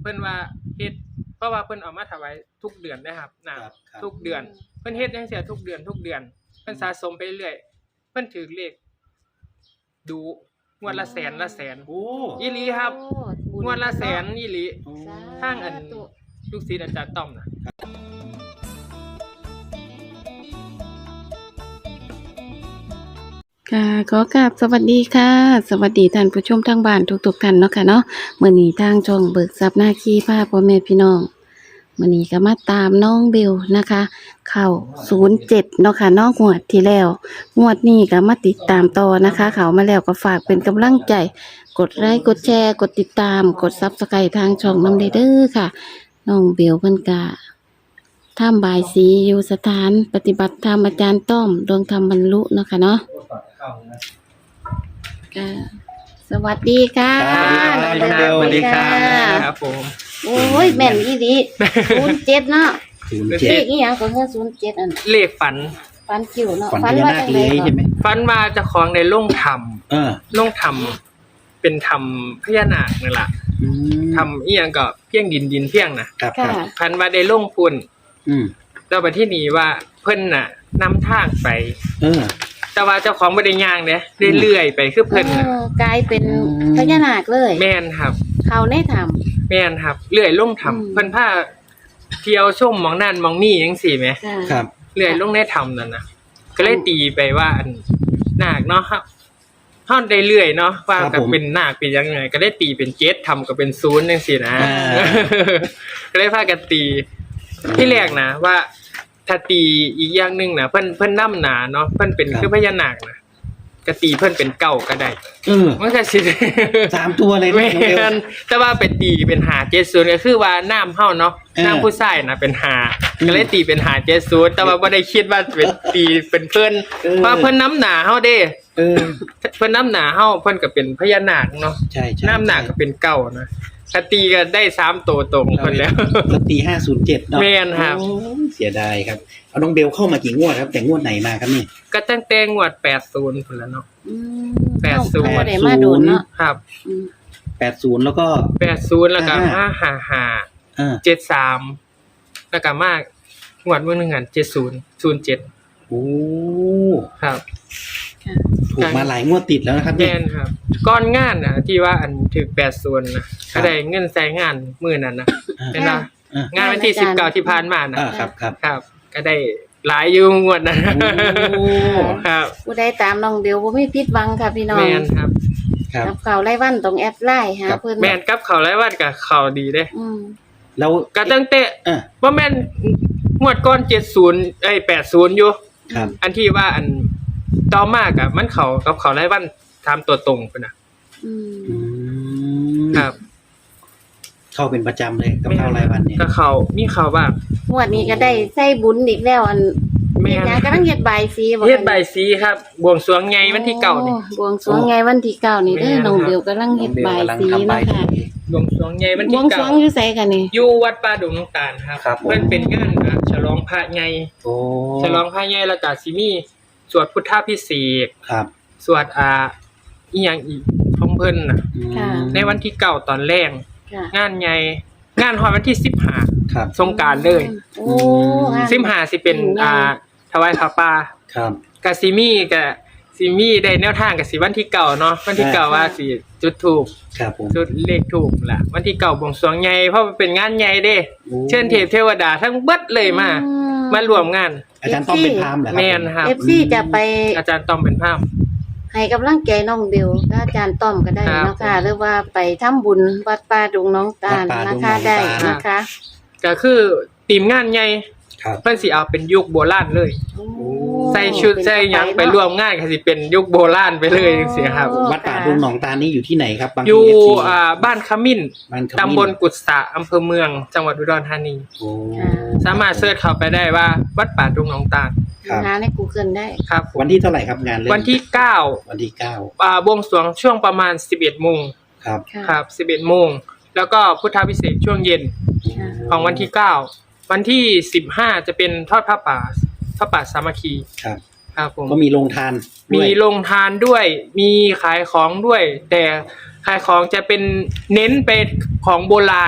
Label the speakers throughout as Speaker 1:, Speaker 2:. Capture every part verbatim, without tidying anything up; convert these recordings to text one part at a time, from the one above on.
Speaker 1: เพิ่นว่าเฮ็ดเพราะว่าเพิ่นเอามาถวายทุกเดือนนะครับน้ำทุกเดือนเพิ่นเฮ็ดจังซี่ทุกเดือนทุกเดือนเพิ่นสะสมไปเรื่อยเพิ่นถือเลขดูงวดละแสนละแสนโอ้อีหลีครับงวดละแสนอีหลีทางอันลูกศิษย์อาจารย์ต้อมน่ะ
Speaker 2: ค่ะขอกราบสวัสดีค่ะสวัสดีท่านผู้ชมทางบ้านทุกๆท่านเนาะค่ะเนาะมื้อนี้ทางช่องเบิกทรัพย์หน้าขี้พาพ่อแม่พี่น้องมื้อนี้ก็มาตามน้องเบลนะคะเข้าศูนย์เจ็ดเนาะค่ะน้องงวดที่แล้วงวดนี้ก็มาติดตามต่อนะคะเข้ามาแล้วก็ฝากเป็นกำลังใจกดไลค์กดแชร์กดติดตามกด ซับสไครบ์ ทางช่องนำเด้อค่ะน้องเบลเพิ่นก็ทำบายสีอยู่สถานปฏิบัติธรรมอาจารย์ต้อมดวงธรรมบรรลุเนาะค่ะเนาะค่ะสวัสดีค่ะ
Speaker 1: สวัสดีครับสวัสดีครับผม
Speaker 2: โอ้ยแม่นอีหลีศูนย์เจ็ดเนาะ
Speaker 3: ศูนย์
Speaker 2: เล
Speaker 3: เจ็ด
Speaker 2: ขอีหยังก็คือศูนย์เจ็ดอัน
Speaker 1: เลขฝัน
Speaker 2: ฟันคิวเนาะ
Speaker 3: ฝันพญานาคเลยใช่ไหม
Speaker 1: ฝันว่าเจ้าของได้ลงถ้
Speaker 3: เออ
Speaker 1: ำลงถ้ำเป็นถ้ำพญานาคนั่นล่ะ
Speaker 3: อืม
Speaker 1: ถ้ำอีหยังก็เพียงดินดินเพียงน่ะ
Speaker 3: ครับค
Speaker 2: ค่ะ
Speaker 3: รับ
Speaker 1: ฝันว่าได้ลงพุ่น
Speaker 3: อืม
Speaker 1: แล้วไปที่นี่ว่าเพิ่นน่ะนำทางไป
Speaker 3: เออ
Speaker 1: แต่ว่าเจ้าของบ่ได้ย่างเด้เรื่อยๆไปคือเพิ่นน่ะ
Speaker 2: เออกลายเป็นพญานาคเลย
Speaker 1: แม่นครับ
Speaker 2: เขาในถ้
Speaker 1: แม่นครับเรื่อยลง
Speaker 2: อืม
Speaker 1: ถ้ำเพิ่นพาเที่ยวชมหมองนั่นหมองนี่จังซี่แหม
Speaker 2: ำค่ะ
Speaker 3: ครับ
Speaker 1: เรื่อยลงในถ้ำนั่นน่ะก็เลยตีไปว่าอันนาคเนาะครับเฮาได้เรื่อยเนาะว่าก็เป็นนาคเป็นยังไงก็ได้ตีเป็นเจ็ดทํก็เป็นศูนย์จังซี่นะก็เลยพากันตีที่แรกนะว่าถ้าตีอีกอย่างนึงน่ะเพิ่นเพิ่นนำหนาเนาะเพิ่นเป็นคือพญานาคน่ะก็ตีเพิ่นเป็นเก้าก็ได้
Speaker 3: เออ
Speaker 1: มันก็สิ
Speaker 3: สามตัวเลย
Speaker 1: แม่
Speaker 3: น้องเบล
Speaker 1: นแต่ว่าไปตีเป็นหาเจ็ดศูนย์ก็คือว่าน้ำเฮาเนาะ
Speaker 3: เออ
Speaker 1: น้ำผู้ชายน่ะเป็นหา
Speaker 3: อืม
Speaker 1: ก็เลยตีเป็นหาเจ็ดศูนย์แต่ว่าบ่ได้คิดว่าเป็นตีเป็นเพิ่น
Speaker 3: เออ
Speaker 1: เพราะเพิ่นน้ำหนาเฮาเด้
Speaker 3: เออ
Speaker 1: เพิ่นน้ำหนาเฮาเพิ่นก็เป็นพญานาคเนาะ
Speaker 3: ใช่ใช่
Speaker 1: น้ำหนาก็เป็นเก้านะถ้าตีก็ได้สามตัวตรงเพิ่นแล้ว
Speaker 3: แล้วตีห้าศูนย์เจ็ดเนาะ
Speaker 1: แม่นครับ
Speaker 3: โอ้ยเสียดายครับเอาน้องเบลเข้ามากี่งวดครับ แต่งวดไหนมาครับนี่
Speaker 1: ก็ตั้งแต่งวดแปดสิบพุ่นแล้วเนาะ
Speaker 2: อืม
Speaker 1: แปดศูนย์
Speaker 2: เขาบ่ได้มาโดนเนาะ
Speaker 1: ครับ
Speaker 2: อืม
Speaker 3: แปดศูนย์แล้วก็
Speaker 1: แปดสิบแล้วก็
Speaker 3: ห้า
Speaker 1: ห้าห้า
Speaker 3: เออ
Speaker 1: เจ็ดสามแล้วก็มากงวดมื้อนึงอันเจ็ดศูนย์ ศูนย์เจ็ด
Speaker 3: โอ้
Speaker 1: ครับ
Speaker 2: ค่ะ
Speaker 3: ถูกมาหลายงวดติดแล้วนะครับ
Speaker 1: แม่
Speaker 3: เนี่ย
Speaker 1: นครับก้อนงานน่ะที่ว่าอันถึกแปดศูนย์นะ
Speaker 3: ครั
Speaker 1: ก็
Speaker 3: บ
Speaker 1: ได้เงินใส่งานมื้อนั้นนะ
Speaker 3: อ่า
Speaker 1: เป็นว่
Speaker 3: อ่าง
Speaker 1: านวันที่สิบเก้าที่ผ่านมานะ
Speaker 3: อ่าครับครับ
Speaker 1: ครับ ก็ได้หลายอยู่งวดนะ
Speaker 3: โอ้
Speaker 1: ครับ
Speaker 2: ผู้ใดตามน้องเบลบ่มีผิดหวังค่ะพี่น้อง
Speaker 1: แม่นครับ
Speaker 3: ครับ
Speaker 2: กับเขาไล่วันตรงแอดไลน์หา
Speaker 3: ครับ
Speaker 2: เพิ่น
Speaker 1: แม่นกับเขาวรายวันกับเขาวดีเด้
Speaker 2: อืม
Speaker 3: แล้ว
Speaker 1: ก็ตั้งแต่
Speaker 3: เออ
Speaker 1: ว่าแม่นงวดก้อนเจ็ดสิบเอ้ยแปดสิบอยู่
Speaker 3: ครับ
Speaker 1: อันที่ว่าอันต่อมากอ่ะมันเขากับเขาวรายวันทำตัวตรงพุ่นน่ะ
Speaker 2: อืม
Speaker 3: อืม
Speaker 1: ครับ
Speaker 3: เข้าเป็นประจำเลยกับเข้ารายวันเนี่ย
Speaker 1: ก็เขามีเขาบ้าง
Speaker 2: งวดนี้ก็ได้ใส่บุญอีกแล้วอัน
Speaker 1: แม่
Speaker 2: เฮ็ด
Speaker 1: น
Speaker 2: หยังกำลังเฮ็ดใบายสีบ่คะ
Speaker 1: เฮ็ดใบายสีครับบวงสรวงไงวันที่เก้านี่
Speaker 2: โอ้บวงสรวงไงวันที่เก้านี่เด้อ
Speaker 1: แม่น
Speaker 2: น้องเบลกำลังเฮ็ดใบายสี
Speaker 3: น้องเบลกำลังทำใบ
Speaker 2: เนาะค่ะ
Speaker 3: สี
Speaker 1: บวงสรวงไงวัน
Speaker 2: บ
Speaker 1: ที่
Speaker 2: วงสร
Speaker 1: เก้าว
Speaker 2: งอยู่ไสกันนี่
Speaker 1: อยู่วัดป่าดงน้ำตาลครับ
Speaker 3: ครับผม
Speaker 1: เพิ่นเป็นงานอ่ะฉลองพระใหญ่
Speaker 3: โอ้
Speaker 1: ฉลองพระใหญ่แล้วก็สิมีสวดพุทธพิเศษก
Speaker 3: ครับ
Speaker 1: สวดอ่าอีหยังอีกของเพิ่นน่ะ
Speaker 3: อืม
Speaker 2: ค่ะ
Speaker 1: ในวันที่เก้าตอนแรก
Speaker 2: ค่ะ
Speaker 1: งานใหญ่งานฮอดวันที่สิบห้า
Speaker 3: ครับ
Speaker 1: สงกรานต์เลย
Speaker 2: โอ้งาน
Speaker 1: สิบห้าสิเป็นอ่าถวายผ้าป่า
Speaker 3: ครับ
Speaker 1: กะสิมีกะสิมีได้แนวทางกะสิวันที่เก้าเนาะวันที่เก้าว่าสิจุดธูป
Speaker 3: ครับผม
Speaker 1: จุดเลขถูกล่ะวันที่เก่าบวงสรวงใหญ่เพราะมันเป็นงานใหญ่เด้
Speaker 3: โอ้
Speaker 1: เชิญเทพเทวดาทั้งเบิดเลยมา
Speaker 2: อื
Speaker 1: มารวมงาน
Speaker 3: อาจารย์ต้องเป็นพราหมณ์เหรอครับ
Speaker 1: แม่นครับ
Speaker 2: เอฟซีจะไป
Speaker 1: อาจารย์ต้อมเป็นภาพ
Speaker 2: ให้กำลังใจน้องเบลก็อาจารย์ต้อมก็ได้
Speaker 1: ครับ
Speaker 2: เนาะค่ะหรือว่าไปทำบุญวัดป่าดงน้องตาล
Speaker 3: วัดป่าด
Speaker 2: นะ
Speaker 3: งน้
Speaker 2: คะ
Speaker 3: องตาล
Speaker 2: ได้นะคะ
Speaker 1: ก็คือทีมงานใหญ่
Speaker 3: ครับ
Speaker 1: เพิ่นสิเอาเป็นยุคโบราณเลย
Speaker 2: โอ้
Speaker 1: ใส่ชุดใส่หยังไปร่วมงานก็สิเป็นยุคโบราณไปเลยจังซี่ครับ
Speaker 2: โอ้
Speaker 3: วัดป่าดงหนองตาลนี่อยู่ที่ไหนครับบาง
Speaker 1: อ
Speaker 3: ที
Speaker 1: ยู่
Speaker 3: เอฟซี
Speaker 1: อ่าบ้านขมิ้น
Speaker 3: บ้านขมิ้น
Speaker 1: ตำบลกุดสะอำเภอเมือง จังหวัดอุดรธานี
Speaker 3: โอ้
Speaker 1: สามารถเสิร์ชเข้าไปได้ว่าวัดป่าดงหนองตาล
Speaker 3: ครับ
Speaker 2: หาใน Google ได้
Speaker 1: ครับผม
Speaker 3: วันที่เท่าไหร่ครับงานเริ่ม
Speaker 1: วันที่เก้า
Speaker 3: วันที่เก้า
Speaker 1: อ่าบวงสรวงช่วงประมาณสิบเอ็ดโมง
Speaker 3: ครับ
Speaker 2: ค่ะ
Speaker 1: ครับสิบเอ็ดโมงแล้วก็พุทธพิเศษกช่วงเย็น
Speaker 2: ค่ะ
Speaker 1: ของวันที่เก้าวันที่สิบห้าจะเป็นทอดผ้าป่าพระป่าสามัคคี
Speaker 3: ครับ
Speaker 1: ครับผม
Speaker 3: ก็มีโรงทานด้
Speaker 1: มี
Speaker 3: วย
Speaker 1: โรงทานด้วย มีขายของด้วย แต่ขายของจะเป็นเน้นไปของโบราณ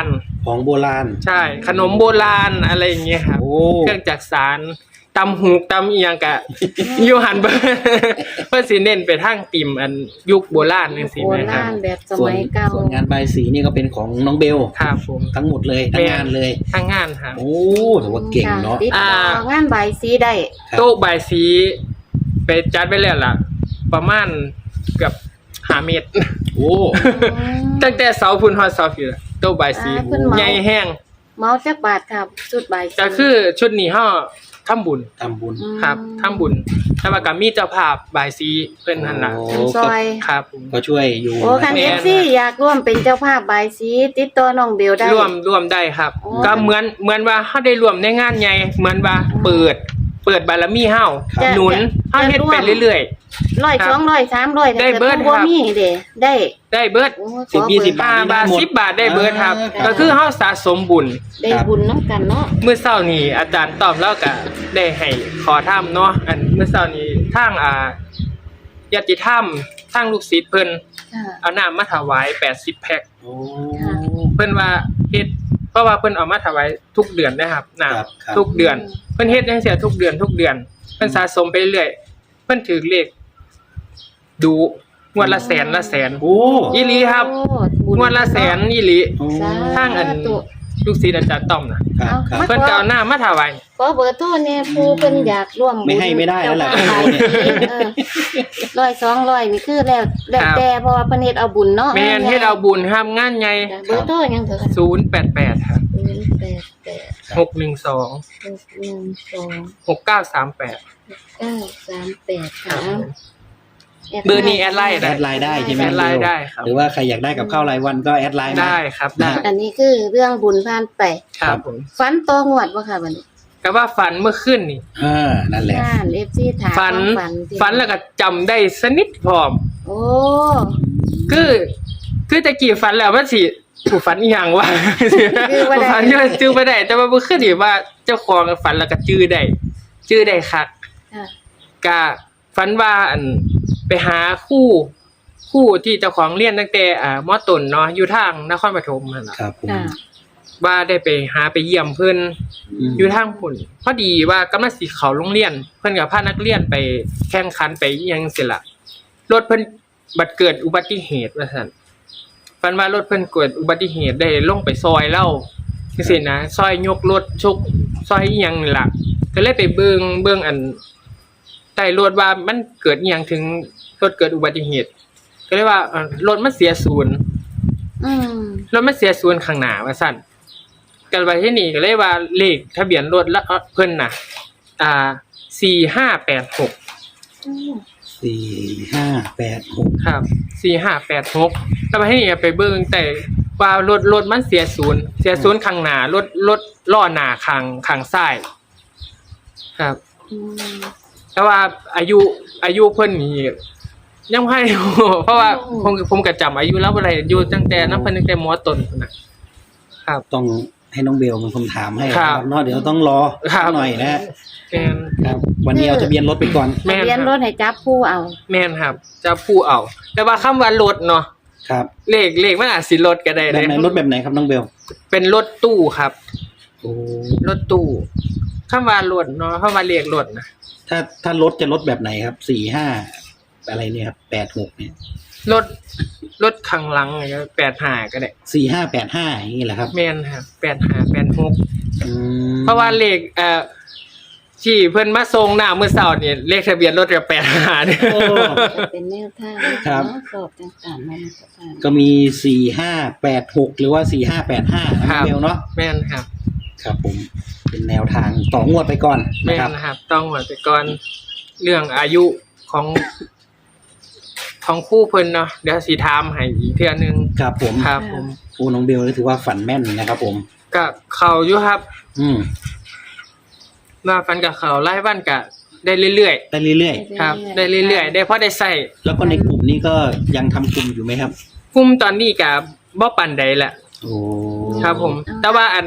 Speaker 3: ของโบราณ
Speaker 1: ใช่ขนมโบราณอะไรอย่างเงี้ยครับ
Speaker 3: โอ้
Speaker 1: เครื่องจักสานตำหูกตำเอียงกะ อยู่หันเบอร์เพื่อสิเน้นไปทางติ่มอันยุคโบราณนี่สิ
Speaker 2: โบ
Speaker 1: แม่ครั
Speaker 2: รา
Speaker 1: บ
Speaker 2: ณแบบส
Speaker 3: ส่วน
Speaker 2: มัยเก่า
Speaker 3: ส่วนงานใบายสีนี่ก็เป็นของน้องเบล
Speaker 1: ครับผม
Speaker 3: ทั้งหมดเลยทั้งงานเลย
Speaker 1: ทางงานครับ
Speaker 3: โอ้ถือว่าเก่งเนาะ
Speaker 2: ติดต่อ
Speaker 1: อ่า
Speaker 2: งานใบายสีได้
Speaker 3: ครับ
Speaker 1: โต๊ะใบายสีไปจัดไปแล้วล่ะ ประมาณเกือบห้าเมตร
Speaker 3: โอ้
Speaker 1: ตั้งแต่เสาพุ่นฮอดเสาผิวล่ะโต๊ะใบายสี
Speaker 2: อ่าเพิ่นเหมา
Speaker 1: ใหญ่แห้ง
Speaker 2: เมาจักบาทครับชุดใบายสี
Speaker 1: ก็คือชุดนี้เฮาทำบุญ
Speaker 3: ทำบุญ
Speaker 2: ม
Speaker 1: ครับทำบุญแต่ว่าก็มีเจ้าภาพบายสีเพิ่นนั่นล่ะ
Speaker 3: โอ้
Speaker 2: ทำซอย
Speaker 1: ครับผม
Speaker 3: ก็ช่วยอยู่
Speaker 2: โอ้คัน
Speaker 1: แม่
Speaker 2: เอน ฟซีอยากร่วมเป็นเจ้าภาพบายสีติดต่อน้องเบลได้
Speaker 1: ร่วมร่วมได้ครับ
Speaker 2: โอ้
Speaker 1: ก็เหมือนเหมือนว่าเฮาได้ร่วมในงานใหญ่เหมือนว่าเปิด เปิดบารมีเฮา
Speaker 2: จะ
Speaker 1: หนุนเฮาเฮ็ดไปเรื่อย
Speaker 2: ร้อย
Speaker 1: ครับ
Speaker 2: สองร้อยสามร้อย
Speaker 1: ได้เบิด
Speaker 2: แต่ผู้
Speaker 1: ครับ
Speaker 2: มีเด้ได้
Speaker 1: ๆ ได้เบิด
Speaker 2: โอ้
Speaker 3: สิบ
Speaker 2: ขอ
Speaker 3: ยี่
Speaker 2: เบิ
Speaker 3: สิ
Speaker 2: ด
Speaker 3: บบาท
Speaker 1: ห้า
Speaker 3: นี่ได้
Speaker 1: บาท
Speaker 3: หมด
Speaker 1: สิบบาทได้เบิดครับ
Speaker 3: อ่า
Speaker 1: ก็คือเฮาสะสมบุญ
Speaker 2: ได้บุญน้ำกันเนาะ
Speaker 1: เมื่อเช้านี้อาจารย์ตอบแล้วก็ได้ให้ขอทำเนาะอันเมื่อเช้านี้ทางอ่าญาติธรรมทางลูกศิษย์เพิ่น
Speaker 2: ค่ะ
Speaker 1: เอาน้ำมาถวายแปดสิบแพ็ค
Speaker 3: โอ้
Speaker 1: เพิ่นว่าเฮ็ดเพราะว่าเพิ่นเอามาถวายทุกเดือนนะครับน้
Speaker 3: ครับครับ
Speaker 1: ำทุกเดือน เพิ่นเฮ็ดจังซี่ทุกเดือนทุกเดือนเพิ่นสะสมไปเรื่อยเพิ่นถือเลขดูงวดละแสนละแสน
Speaker 3: โอ้
Speaker 1: อีหลีครับ
Speaker 2: โอ้บุญ
Speaker 1: งวดละแสนอีหลี
Speaker 3: โอ้
Speaker 2: สา
Speaker 1: ทางอัน
Speaker 2: ธุ
Speaker 1: ลูกศิษย์อาจารย์ต้อมนะครับ
Speaker 3: ครับ
Speaker 2: มา
Speaker 1: เพิ่นก็เอาน้ำมาถวาย
Speaker 2: ขอเบอร์โทรเนี่ยผู้เพิ่นอยากร่วมบุญ
Speaker 3: ไม่ให้ไม่ได้แล้วล่ะ
Speaker 2: เจ้าภาพ
Speaker 3: เนี่ย
Speaker 2: เออร้อยสองร้อยนี่คือแล้วแล้ว
Speaker 1: ครับ
Speaker 2: แต่เพราะว่าเพิ่นเฮ็ดเอาบุญเนาะ
Speaker 1: แม่นเฮ็ดเอาบุญครับงานใหญ่
Speaker 2: จ้ะเบอร์โทรยังเถอะค่ะ
Speaker 1: ศูนย์แปดแปดครับ
Speaker 2: ศูนย์แปดแปด
Speaker 1: หกหนึ่งสอง
Speaker 2: หกหนึ่งสอง
Speaker 1: หกเก้าสามแปด
Speaker 2: เก้าสามแปด
Speaker 1: ครั
Speaker 2: ค่ะ
Speaker 1: บเบอร์นี้แอดไลน์
Speaker 3: แอดไลน์ได้ใช่ไหม
Speaker 1: แอดไลน์ได้ครับ
Speaker 3: หรือว่าใครอยากได้กับข้าวรายวันก็แอดไลน์มา
Speaker 1: ได้ครับได้
Speaker 2: อันนี้คือเรื่องบุญผ่านไป
Speaker 1: ครับผม
Speaker 2: ฝันต่องวดบ่ค่ะบัดนี้
Speaker 1: ก็ว่าฝันเมื่อคืนนี่
Speaker 3: อ่านั่นแหละ
Speaker 2: งาน เอฟ ซี ถาม
Speaker 1: ฝัน
Speaker 2: ฝันที่
Speaker 1: ฝันแล้วก็จำได้สนิทพร้อม
Speaker 2: โอ้
Speaker 1: คือคือตะกี้ฝันแล้วว่าสิผู้ฝันอีหยังวะ
Speaker 2: คือบ่ได้
Speaker 1: ฝันอยู่จื้อบ่ได้แต่ว่าเมื่อคืนนี่ว่าเจ้าของฝันแล้วก็จื้อได้จื้อได้คัก
Speaker 2: ค่ะ
Speaker 1: ก็ฝันว่าอันไปหาคู่คู่ที่เจ้าของเรียนตั้งแต่อ่ามอต้นเนาะอยู่ทางนครปฐมนั่นล่ะ
Speaker 3: ครับผม
Speaker 2: ค่ะ
Speaker 1: ว่าได้ไปหาไปเยี่ยมเพิ่น
Speaker 3: ม
Speaker 1: อยู่ทางพุ่นพอดีว่ากำลังสิเข้าโรงเรียน เพิ่นก็พานักเรียนไปแข่งขันไปอิหยังสิล่ะรถเพิ่นบัดเกิดอุบัติเหตุว่าซั่นฝันว่ารถเพิ่นเกิดอุบัติเหตุได้ลงไปซอยเล่าจังซี่นะซอยยกรถชกซอยอิหยังนี่ล่ะก็เลยไปเบิ่งเบิ่งอันใต้รถว่ามันเกิดอิหยังถึงรถเกิดอุบัติเหตุ ก็เลยว่าเอ่อรถมันเสียศูนย์
Speaker 2: อืม
Speaker 1: รถมันเสียศูนย์ข้างหน้าว่าซั่นกันไปที่นี่ก็เลยว่าเลขทะเบียนรถละเพิ่นน่ะ อ่าสี่ห้าแปดหก
Speaker 2: อืม
Speaker 3: สี่ห้าแปดหก
Speaker 1: ครับสี่ห้าแปดหกแล้วไปที่นี่ไปเบิ่งแต่ว่ารถรถมันเสียศูนย์เสียศูนย์ข้างหน้ารถรถล้อหน้าข้างข้างซ้ายครับ
Speaker 2: อืม
Speaker 1: แต่ว่าอายุอายุเพิ่นนี่ยังให้ เพราะว่าผมผมก็จำอายุแล้วบ่ได้อยู่ตั้งแต่นั้นเพิ่นตั้งแต่มอต้นพุ่นน่ะครับ
Speaker 3: ต้องให้น้องเบลเป็นคนถามให้
Speaker 1: ครับ
Speaker 3: เนาะเดี๋ยวต้องรอ
Speaker 1: ครับ
Speaker 3: หน่อยนะ
Speaker 1: แม่น
Speaker 3: ครับ วันนี้เอาทะเบียนรถไปก่อน
Speaker 1: แม่น
Speaker 2: ทะเบียน
Speaker 1: ครับ
Speaker 2: รถให้จับผู้เอา
Speaker 1: แม่นครับ จะผู้เอา แต่ว่าคำว่ารถเนาะ
Speaker 3: ครับ
Speaker 1: เลขเลขมันอาจสิรถก็ได้
Speaker 3: แบ
Speaker 1: เล
Speaker 3: บ
Speaker 1: ย
Speaker 3: ไหนรถแบบไหนครับน้องเบล
Speaker 1: เป็นรถตู้ครับ
Speaker 3: โอ้
Speaker 1: รถตู้คำว่ารถเนาะคำว่าเลขรถนะ
Speaker 3: ถ้าถ้ารถจะรถแบบไหนครับสี่ห้าอะไรเนี่ยครับแปดหกเนี่ย
Speaker 1: รถรถข้างหลังแปดห้าก็ได้
Speaker 3: สี่ห้าแปดห้าอย่างนี้แหละครับ
Speaker 1: แม่นครับแปดห้าแปดหก
Speaker 3: อืม
Speaker 1: เพราะว่าเลขเอ่อที่เพิ่นมาส่งหน้ามื้อเช้านี่เลขทะเบียนรถก็แปดห้าเนี่ย
Speaker 3: โอ้
Speaker 2: จะเป็นแนวทางนะคะเนาะสอบต่างๆมาสถาน
Speaker 3: ก็มีสี่ห้าแปดหกหรือว่าสี่ห้าแปดห้าน้องเบลเนาะ
Speaker 1: แม่นครับ
Speaker 3: ครับผมเป็นแนวทางต่องวดไปก่อน
Speaker 1: แม่
Speaker 3: นะครับ
Speaker 1: นนะครับ ต้องหมดไปก่อนเรื่องอายุของของคู่เพิ่นเนาะเดี๋ยวสิถามให้อีกเทื่อนึง
Speaker 3: ครับผม
Speaker 1: ครับผม
Speaker 3: โอ้น้องเบลนี่ถือว่าฝันแม่นนะครับผม
Speaker 1: ก็เข้าอยู่ครับ
Speaker 3: อืม
Speaker 1: ว่าฟันกับเขาไล่บ้านกะได้เรื่อย
Speaker 3: ได้เรื่อย
Speaker 1: ๆครับ ได้เรื่อยๆได้พอได้ใส่
Speaker 3: ๆ แล้วก็ในกลุ่มนี้ก็ยังทำกลุ่มอยู่ไหมครับ
Speaker 1: กลุ่มตอนนี้กะบ่ปานใดแหละ
Speaker 3: โอ้
Speaker 1: ครับผม แต่ว่าอัน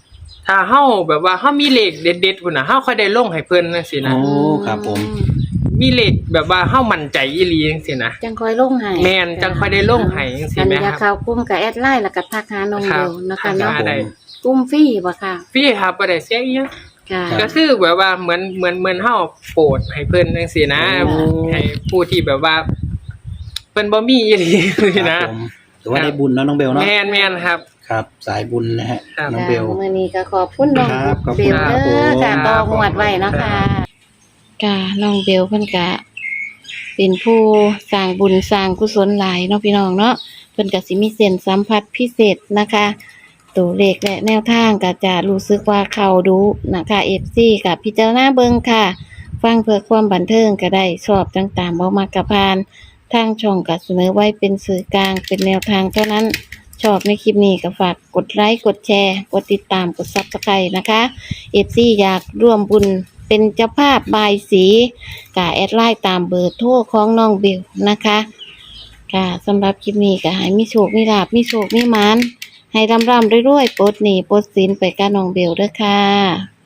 Speaker 1: ถ้าเฮาแบบว่าเฮามีเลขเด็ดๆพุ่นน่ะเฮาค่อยได้ลงให้เพิ่นจังซี่นะ
Speaker 3: โอ้ครับผม
Speaker 2: ม
Speaker 1: มีเลขแบบว่าเฮามั่นใจอีหลีจังซี่นะ
Speaker 2: จังคอยลงให้
Speaker 1: แม่นจังค่อยได้ลงให้จังซี่
Speaker 2: อัน
Speaker 1: แหม
Speaker 2: นี้
Speaker 1: ค
Speaker 2: ก็
Speaker 1: รับ
Speaker 2: เข้ากลุ่มกับแอดไลน์แล้วก็ทักหาน้อง
Speaker 1: ครั
Speaker 2: เบ
Speaker 1: บ
Speaker 2: ลนะคะ
Speaker 1: ทัก
Speaker 2: เนาะ
Speaker 1: หาได้
Speaker 2: กลุ่มฟรีบ่ค่ะ
Speaker 1: พี่ครับบ่ได้เสียอีหยัง
Speaker 2: ค่ะ
Speaker 1: ก็คือแบบว่าเหมือนเหมือนเหมือนเฮาโปรดให้เพิ่นจังซี่นะ
Speaker 3: โอ้
Speaker 1: ให้ผู้ที่แบบว่าเพิ่นบ่มีอีหลีนี่
Speaker 3: ค
Speaker 1: นะ
Speaker 3: รับผมถือว่าได้บุญเนาะน้องเบลเนาะ
Speaker 1: แม่นแม่นครับ
Speaker 3: ครับ สายบุญนะฮะ
Speaker 1: ครับ
Speaker 3: น้องเบล
Speaker 2: ค่ะมื้อนี้ก็ขอบคุณน้อง
Speaker 3: ครับขอบ
Speaker 2: เบ
Speaker 3: คุณ
Speaker 2: ล
Speaker 3: ครับ
Speaker 2: เด้อค่ะ
Speaker 3: ผม
Speaker 2: ต่องวดไว้เนาะค่ะค่ะน้องเบลเพิ่นก็เป็นผู้สร้างบุญสร้างกุศลหลายเนาะพี่น้องเนาะเพิ่นก็สิมีเส้นสัมผัสพิเศษนะคะตัวเลขและแนวทางก็จะรู้สึกว่าเข้าดูนะคะ เอฟ ซี กับพิจารณาเบิ่งค่ะ ฟังเพื่อความบันเทิงก็ได้ชอบต่างๆบ่มักกะพาน ทางช่องก็เสนอไว้เป็นสื่อกลางเป็นแนวทางเท่านั้น ชอบในคลิปนี้ก็ฝากกดไลค์กดแชร์กดติดตามกด ซับสไครบ์ นะคะ เอฟ ซี อยากร่วมบุญเป็นเจ้าภาพบายสีก็แอดไลน์ตามเบอร์โทรของน้องเบลนะคะค่ะสำหรับคลิปนี้ก็ให้มีโชคมีลาภมีโชคมีหมานให้ร่ำๆรวยๆปลดหนี้ปลดสินไปกับน้องเบลเด้อค่ะ